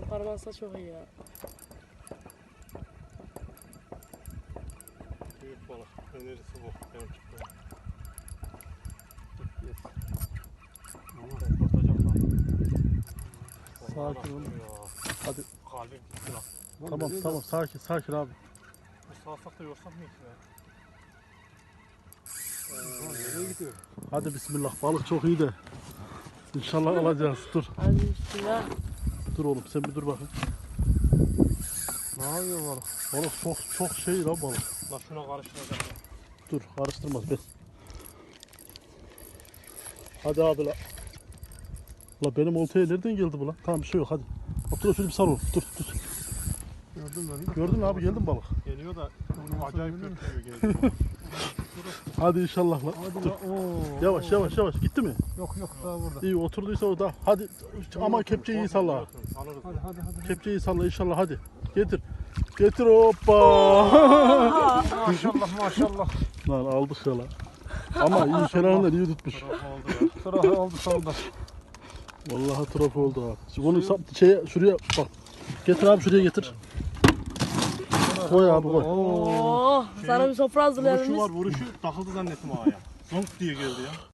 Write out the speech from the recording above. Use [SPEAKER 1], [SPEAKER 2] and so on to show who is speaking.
[SPEAKER 1] Parmağınsa çok iyi ya.
[SPEAKER 2] Büyük balık. Önerisi bu. Benim çıktığım.
[SPEAKER 3] Sakin ol. Hadi.
[SPEAKER 2] Kalbim gitti lan.
[SPEAKER 3] Tamam tamam sakin abi.
[SPEAKER 2] Bu sağsak da yorsak mı ki be? Nereye gidiyor?
[SPEAKER 3] Hadi bismillah, balık çok iyi de. İnşallah alacağız. Dur.
[SPEAKER 1] Hadi bismillah.
[SPEAKER 3] Dur oğlum sen bir dur bakayım.
[SPEAKER 2] Ne yapıyor balık?
[SPEAKER 3] Balık çok şey lan balık.
[SPEAKER 2] Lan şuna karıştıracak.
[SPEAKER 3] Dur karıştırmaz be. Hadi abi la. La benim oltaya nereden geldi bu lan? Tamam bir şey yok hadi. Otur şöyle bir sal oğlum. Dur.
[SPEAKER 2] Gördün mü?
[SPEAKER 3] Gördün mü abi, geldi mi balık?
[SPEAKER 2] Geliyor da acayip götürüyor geliyor.
[SPEAKER 3] Hadi inşallah lan. Dur. Yavaş gitti mi?
[SPEAKER 2] Yok daha burada.
[SPEAKER 3] İyi oturduysa o da. Hadi ama kepçeyi iyi salla.
[SPEAKER 2] Hadi.
[SPEAKER 3] Kepçeyi salla inşallah hadi. Getir hoppa.
[SPEAKER 2] Maşallah.
[SPEAKER 3] Lan aldık ya lan. Ama iyi kenarından iyi tutmuş.
[SPEAKER 2] Sıra oldu sonunda.
[SPEAKER 3] Vallahi trafo oldu abi. Şimdi onu şuraya bak. Getir abi, şuraya getir. Koy abi koy.
[SPEAKER 1] Oh, sana bir sofra hazırlayalım biz.
[SPEAKER 2] Vuruşu takıldı zannettim ağaya. Zonk diye geldi ya.